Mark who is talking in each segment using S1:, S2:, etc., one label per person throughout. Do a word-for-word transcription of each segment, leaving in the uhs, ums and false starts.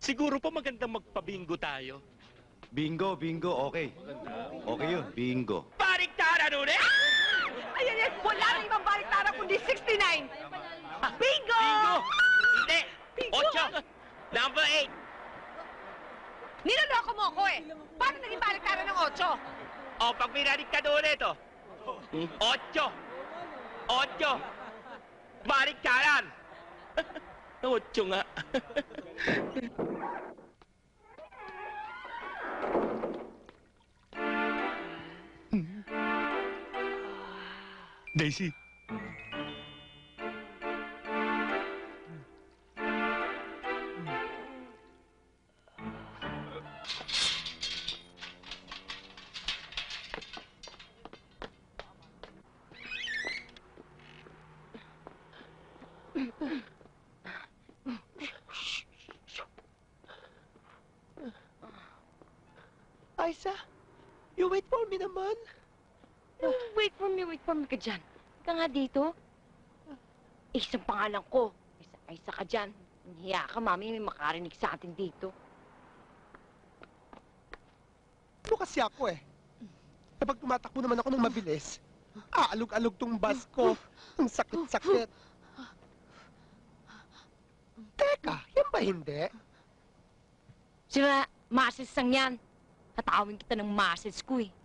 S1: Siguro pa magandang magpabingo tayo.
S2: Bingo, bingo, okay. Okay yun, bingo.
S1: Baliktaran ulit!
S3: Ayan yan, wala rin ibang baliktara kundi sixty-nine. Bingo!
S1: Bingo! Hindi!
S3: Bingo!
S1: Ocho! Number eight!
S3: Niloloko mo ako eh. Paano naging baliktara ng otso?
S1: O, pag binaliktad ulit, oh. Ocho! Ocho! Baliktaran! Ocho nga.
S4: Daisy.
S5: Aisa, you wait for me naman.
S6: Wait for me, wait for me ka dyan. Ka nga dito. Eh, isang pangalan ko. Isa, isa ka dyan. Hiya ka, mami, may makarinig sa atin dito.
S5: Ano kasi ako eh? Kapag tumatakbo naman ako ng mabilis, aalog-alog tong bus ko. Ang sakit-sakit. Teka, yan ba hindi?
S6: Sira, masis sang yan. Tatawin kita ng masis ko eh.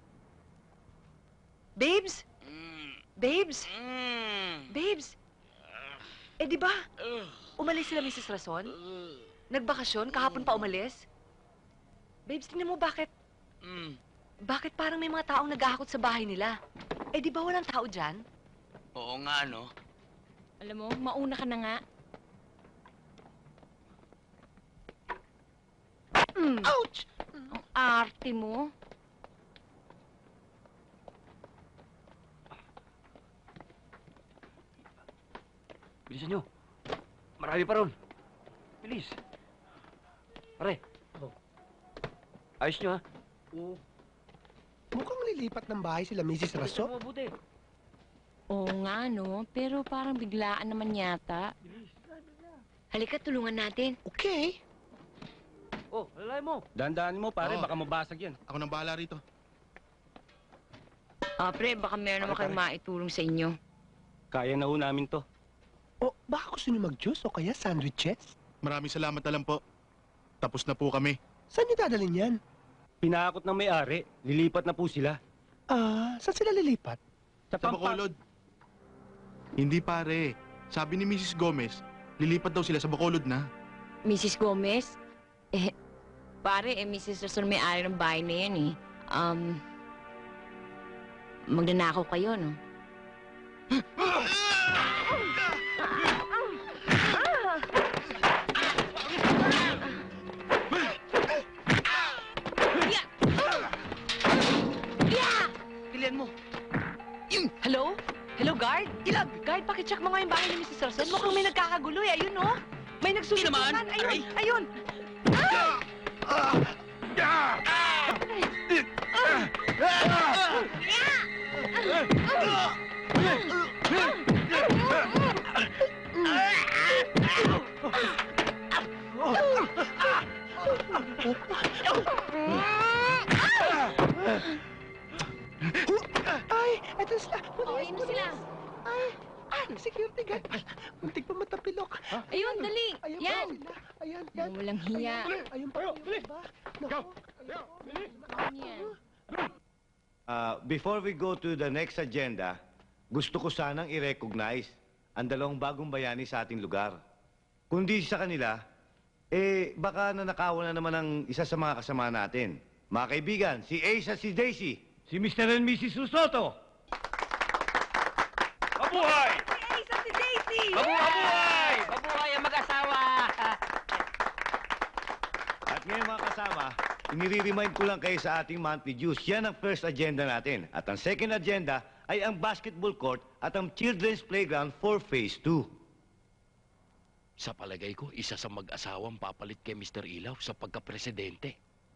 S3: Babes?
S1: Mm.
S3: Babes?
S1: Mm.
S3: Babes? Eh di ba,
S1: Uh,
S3: umalis sila Missus Rason?
S1: uh,
S3: Nagbakasyon, kahapon pa umalis? Babes, tingnan mo bakit,
S1: mm.
S3: bakit parang may mga taong naghahakot sa bahay nila? Eh di ba walang tao dyan?
S1: Oo nga, no?
S6: Alam mo, mauna ka na nga. Mm,
S5: Ouch!
S6: ang arte mo.
S7: Bilisan nyo. Marami pa ron. Bilis. Pare. Oh. Ayos nyo, ha? Oo.
S5: Mukhang lilipat ng bahay sila Missus Raso.
S7: Mabuti.
S6: Oo nga, no? Pero parang biglaan naman yata. Halika, tulungan natin.
S5: Okay.
S7: Oh, lalay mo.
S4: Dandaan mo, pare,
S8: Oo.
S4: baka mabasag yan.
S8: Ako nang bahala rito.
S6: Ah, pre, baka meron naman
S4: Pare,
S6: kayong maitulong sa inyo.
S4: Kaya na ho namin to.
S5: O, baka gusto niyo mag-juice o kaya sandwiches?
S8: Maraming salamat na lang po. Tapos na po kami.
S5: Saan niyo dadalhin yan?
S4: Pinakot ng may-ari, lilipat na po sila.
S5: Ah, saan sila lilipat?
S4: Sa
S8: Sa
S4: Pampa-
S8: Bacolod. Hindi pare. Sabi ni Missus Gomez, lilipat daw sila sa Bacolod na.
S6: Missus Gomez? Eh, pare, eh, Missus Rason may-ari ng bahay na yan, eh. Um, magnanakaw kayo, no?
S3: Pilihan mo. Hello? Hello, guard? Ilag! Guard, pakicheck mo nga yung bahay ni Missus Rason. Mukhang may nagkakagulo eh. Ayun, no? May nagsusutukan.
S1: naman.
S3: Ayun,
S1: Aray.
S3: ayun.
S5: Ay, eto sila.
S6: Oh, ayun na sila.
S5: Ay, ay, security guard. Ay, muntik pa matapilok.
S6: Ayun, dali.
S5: Ayan
S6: Yan.
S5: pa sila. Ayan, yan.
S6: Yung walang hiya.
S5: Ayun pa. Ayun pa. Naku.
S6: Yan.
S2: Uh, before we go to the next agenda, gusto ko sanang i-recognize ang dalawang bagong bayani sa ating lugar. Kundi sa kanila, eh, baka nanakawan na naman ang isa sa mga kasama natin. Mga kaibigan, si Ace at si Daisy.
S4: Si Mister and Missus Susoto.
S1: Mabuhay!
S3: Si Ace at si Daisy!
S1: Mabuhay! Mabuhay ang mag-asawa!
S2: At ngayon mga kasama, inire-remind ko lang kayo sa ating monthly dues. Yan ang first agenda natin. At ang second agenda ay ang basketball court at ang children's playground for phase two.
S9: Sa palagay ko, isa sa mag-asawang papalit kay Mister Ilaw sa pagka-presidente.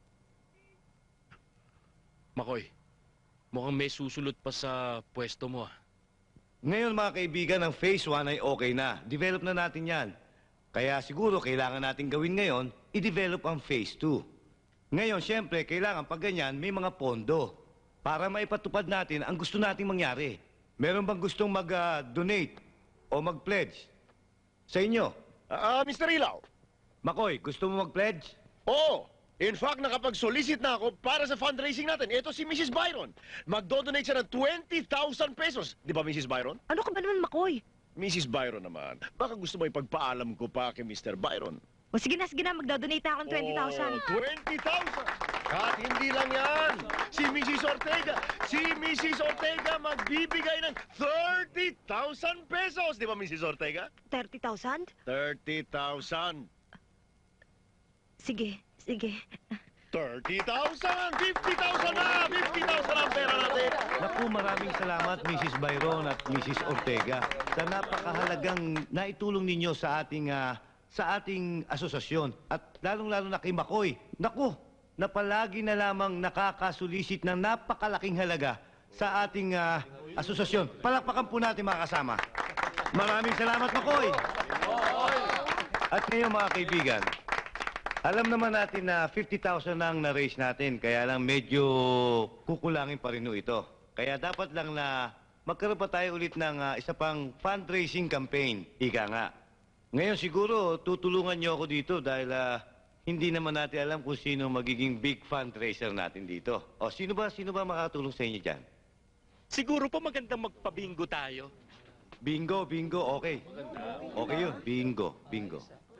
S9: Makoy, mukhang may susulot pa sa pwesto mo, ah.
S2: Ngayon mga kaibigan, ang phase one ay okay na. Develop na natin yan. Kaya siguro kailangan natin gawin ngayon, i-develop ang phase two. Ngayon, siyempre, kailangan pag ganyan, may mga pondo para maipatupad natin ang gusto nating mangyari. Meron bang gustong mag-donate o mag-pledge? Sa inyo?
S10: Ah, Mister Ilaw.
S2: Makoy, gusto mo mag-pledge?
S10: Oo. In fact, nakapag-solicit na ako para sa fundraising natin. Ito si Missus Byron. Magdo-donate siya ng twenty thousand pesos. Di ba, Missus Byron?
S3: Ano ka ba naman, Makoy?
S10: Missus Byron naman. Baka gusto mo ipagpaalam ko pa kay Mister Byron.
S3: O sige na, sige na, magdodonate na ako ng twenty thousand.
S10: Oh, twenty thousand! At hindi lang yan. Si Missus Ortega, si Missus Ortega magbibigay ng thirty thousand pesos. Di ba, Missus Ortega?
S3: thirty thousand?
S10: thirty thousand.
S3: Sige, sige.
S10: thirty thousand! fifty thousand na! fifty thousand ang pera natin!
S2: Naku, maraming salamat, Missus Byron at Missus Ortega, sa napakahalagang naitulong ninyo sa ating ah, sa ating asosasyon. At lalong-lalo na kay Makoy. Naku, na palagi na lamang nakakasulisit ng napakalaking halaga sa ating ah, asosasyon. Palakpakan po natin mga kasama. Maraming salamat, Makoy! At ngayon mga kaibigan, alam naman natin na fifty thousand ang na-raise natin, kaya lang medyo kukulangin pa rin ho ito. Kaya dapat lang na magkaroon pa tayo ulit ng ah, isa pang fundraising campaign. Ika nga. Ngayon siguro tutulungan niyo ako dito dahil ah, hindi naman natin alam kung sino magiging big fundraiser natin dito. O sino ba, sino ba makatulong sa inyo dyan?
S9: Siguro po magandang magpabingo tayo.
S2: Bingo, bingo, okay. Okay yun, bingo, bingo.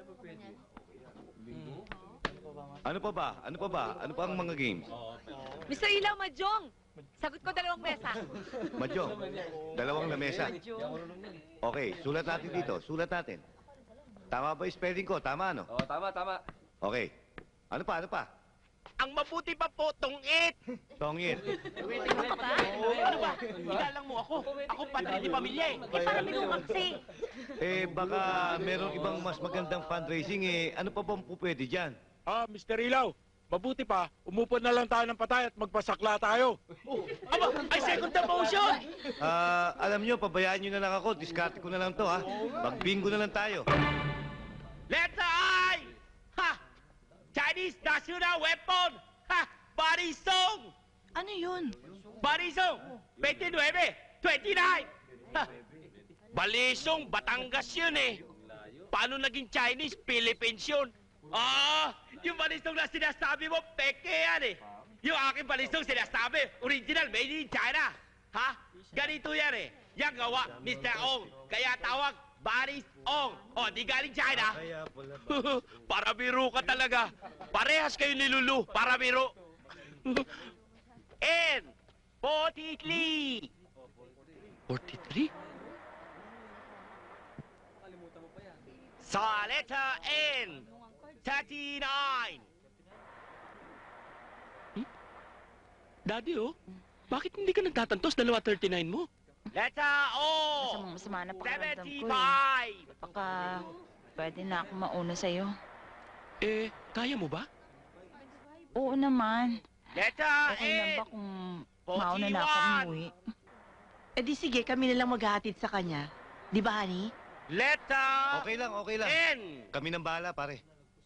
S2: Ano pa ba? Ano pa ba? Ano pa ang mga games?
S3: Mister Ilaw, Majong! Sagot ko dalawang mesa.
S2: Madyo, dalawang lamesa. Okay, sulat natin dito. Sulat natin. Tama ba yung spelling ko? Tama, ano?
S7: Oo, tama, tama.
S2: Okay. Ano pa? Ano pa?
S9: Ang mabuti pa po, tungit!
S2: Tongit.
S9: Ano ba? Igalang mo ako. Ako padre di pamilya eh.
S3: Eh, parang binumaksi.
S2: Eh, baka merong ibang mas magandang fundraising eh. Ano pa bang po pwede dyan?
S11: Ah, Mister Ilaw, mabuti pa, umupo na lang tayo ng patay at magpasakla tayo.
S9: Aba, ay second the motion!
S2: Ah, alam nyo, pabayaan nyo na lang ako. Diskarte ko na lang to, ha? Mag-bingo na lang tayo.
S9: Letter I! Ha! Chinese national weapon! Ha! Barisong!
S3: Ano yun?
S9: Barisong! twenty-nine! twenty-nine! Ha! Balisong, Batangas yun eh. Paano naging Chinese? Philippines yun. Ah! Yung balisong na sinasabi mo, peke yan eh. Yung aking balisong sinasabi, original, made in China. Ha? Ganito yan eh. Yang gawa, Mister Ong. Kaya tawag, Baris Ong. O, di galing China. Para biro ka talaga. Parehas kayo nilulu, para biro. N. forty-three. forty-three? Sa letter N. thirty-nine. Hmm? Daddy, oh. Bakit hindi ka nagtatantos? Dalawa thirty-nine mo. Letter O.
S6: Masamang masama na pakiramdam ko eh.
S9: seventy-five.
S6: Baka pwede na ako mauna sa'yo.
S9: Eh, kaya mo ba?
S6: Oo naman.
S9: Letter
S6: Okay lang ba
S9: A.
S6: kung mauna na ako
S9: forty-one.
S6: umuwi?
S3: Eh di sige, kami na lang maghahatid sa kanya. Di ba, honey?
S9: Letter
S2: Okay lang, okay lang.
S9: N.
S2: Kami nang bahala, pare.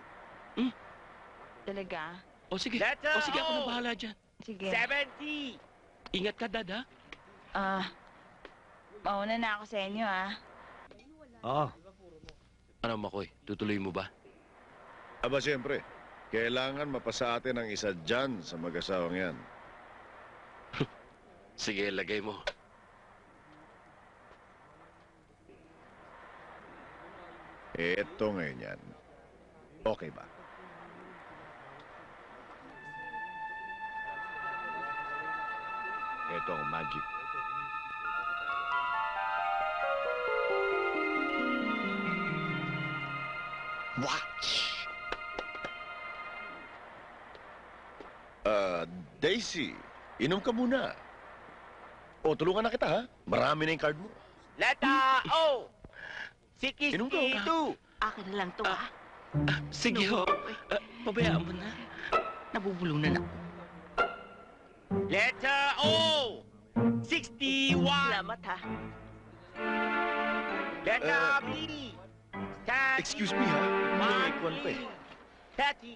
S6: Talaga?
S9: O sige.
S6: Letter
S9: O sige, ako na
S6: O.
S9: bahala dyan.
S6: Sige.
S9: seventy. Ingat ka, Dad, ha?
S6: Ah, mauna na ako sa inyo, ah.
S2: Oo.
S9: Ano, Makoy? Tutuloy mo ba?
S10: Aba, siyempre. Kailangan mapasa atin ang isa dyan sa mag-asawang yan.
S9: Sige, lagay mo.
S10: Eto ngayon yan. Okay ba?
S2: Ito ang magic.
S10: Watch! Ah, Daisy, inom ka muna. O, tulungan na kita, ha? Marami na yung card mo.
S9: Letter O.
S10: Inom ka, oh.
S9: sixty-two.
S3: Akin na lang to, ah.
S9: Sige, ho. Ah, pabayaan mo na.
S3: Nabubulong na na.
S9: Letter O. sixty-one.
S3: Salamat, ha.
S9: Letter
S10: Uh,
S9: B. Catty.
S10: Excuse me, ha? May kwan pa eh.
S9: Catty.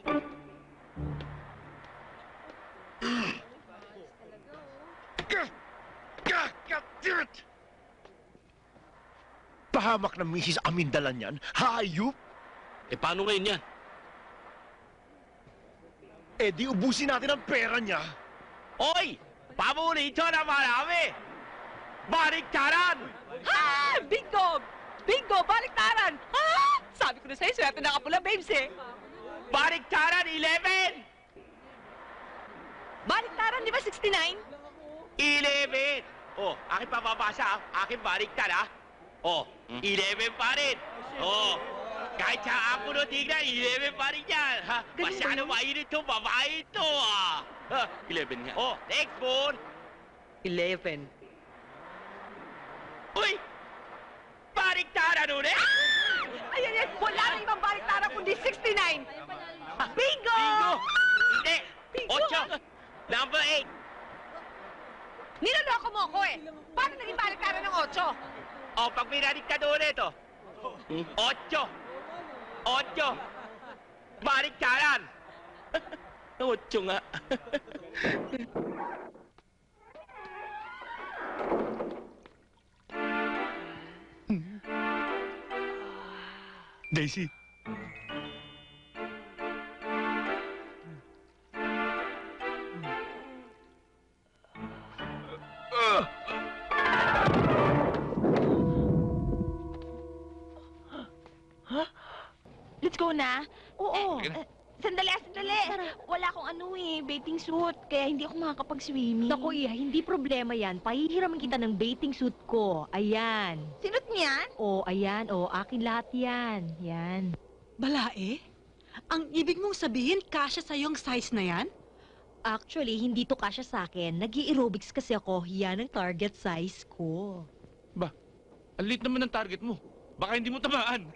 S10: Gah! Gah! God damn it! Pahamak ng Missus Amindalan yan. Hayop!
S9: Eh, paano ngayon yan?
S10: Eh, di ubusin natin ang pera niya.
S9: Oy! Paborito na marami! Baliktaran!
S3: Ha! Bingo! Bingo! Baliktaran! Ha! Sabi ko na sa'yo, swerte na kapula, babes eh.
S9: Baliktaran, eleven!
S3: Baliktaran, di ba sixty-nine?
S9: eleven! Oh, akin papabasa, ah. Akin baliktad, ah. Oh, eleven pa rin. Oh, kahit sa ako no tignan, eleven pa rin yan. Ha?
S3: Ganun ba
S9: Masyado
S3: yun?
S9: mainit to, babae to, ah. Ha? eleven nga. Oh, next one.
S3: eleven.
S9: Uy! Baliktaran ulit!
S3: Ayan, yan. Wala na ibang baliktaran kundi sixty-nine. Bingo!
S9: Bingo! Hindi!
S3: Bingo!
S9: Ocho! Number eight!
S3: Niloloko mo ako eh. Paano naging baliktaran ng ocho?
S9: Oh, pag binaliktad ulit, oh. Ocho! Ocho! Baliktaran! Ocho nga.
S10: Daisy.
S6: Let's go na.
S3: Oo.
S6: Eh, sandali, ah, sandali. Wala akong ano eh, bathing suit. Kaya hindi ako makakapag-swimming.
S12: Naku, Iha, hindi problema yan. Pahihiraman kita ng bathing suit ko. Ayan.
S6: Sinot niyan?
S12: O, ayan. O, akin lahat yan. Yan.
S3: Balae? Ang ibig mong sabihin, kasya sa'yo yung size na yan?
S12: Actually, hindi to kasya sa akin. Nag-aerobics kasi ako. Yan ang target size ko.
S11: Ang lit naman ng target mo. Baka hindi mo tamaan.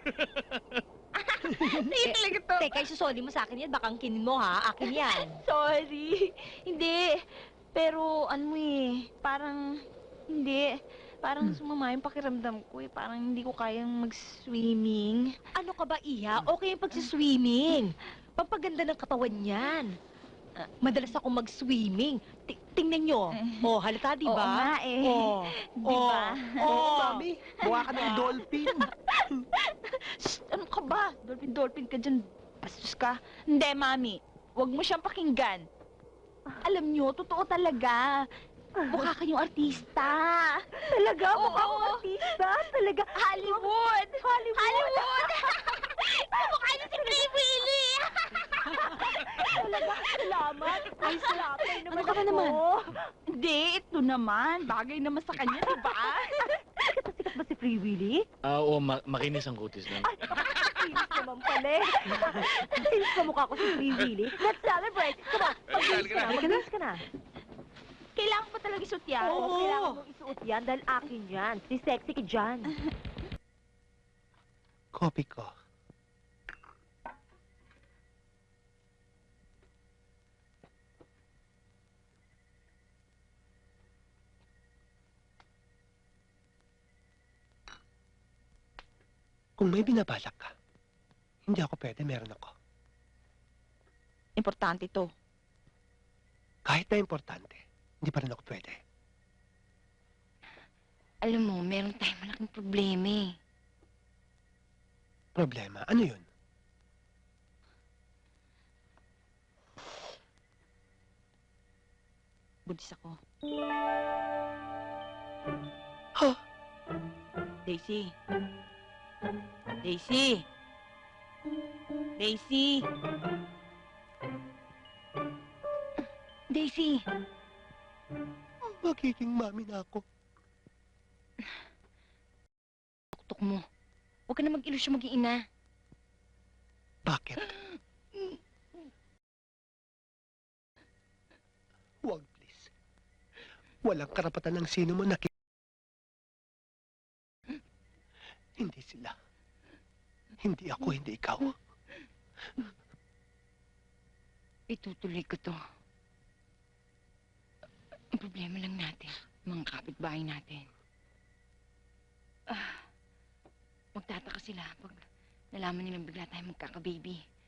S6: Hindi talaga to.
S12: Teka, isusoli mo sa akin yan. Baka ang kinin mo, ha? Akin yan.
S6: Sorry. Hindi. Pero ano eh, parang hindi. Parang sumama yung pakiramdam ko eh. Parang hindi ko kayang mag-swimming.
S12: Ano ka ba, Iha? Okay yung pagsiswimming. Pampaganda ng katawan yan. Ah, Madalas ako mag-swimming. Ti- tingnan nyo. Oh, halata, di
S6: Oo
S12: ba?
S6: nga eh.
S12: Oh,
S6: Di ba?
S5: Oo, mami. Buha ka ng dolphin.
S6: Shh, ano ka ba? Dolphin-dolphin ka dyan. Bastos ka. Hindi, mami. Huwag mo siyang pakinggan. Alam nyo, totoo talaga. Mukha kayong artista. Talaga? Mukha akong artista? Talaga? Hollywood! Hollywood! Hollywood! Mukha niyo si Free Willy! Talaga? Salamat. Ay, salamat. Ano ka ba naman? Hindi, ito naman. Bagay naman sa kanya, di ba?
S12: Sikat ba si Free Willy?
S7: Ah, oo, ma- makinis ang kutis lang.
S12: Ay, kinis naman pala eh. Kinis sa mukha ko si Free Willy. Let's celebrate. Come on, mag-kinis ka na. Mag-kinis ka na.
S6: Kailangan pa talaga isuot yan.
S12: Oo, kailangan mong isuot yan dahil akin yan. Si sexy ka dyan.
S5: Copy ko. Kung may binabalak ka, hindi ako pwede, meron ako.
S6: Importante to.
S5: Kahit na importante, hindi pa rin ako pwede.
S6: Alam mo, meron tayong malaking problema eh.
S5: Problema, ano yun?
S6: Buntis ako.
S5: Ha?
S6: Daisy. Daisy. Daisy. Daisy.
S5: Magiging mami na ako.
S6: Tuktok mo. Huwag ka na mag-ilusyon mag-iina.
S5: Bakit? Huwag, please. Walang karapatan ng sino mo na ki- Hindi sila. Hindi ako, hindi ikaw.
S6: Itutuloy ko to. Ang problema lang natin, mga kapitbahay natin. Ah, magtataka sila pag nalaman nilang bigla tayo magkaka-baby.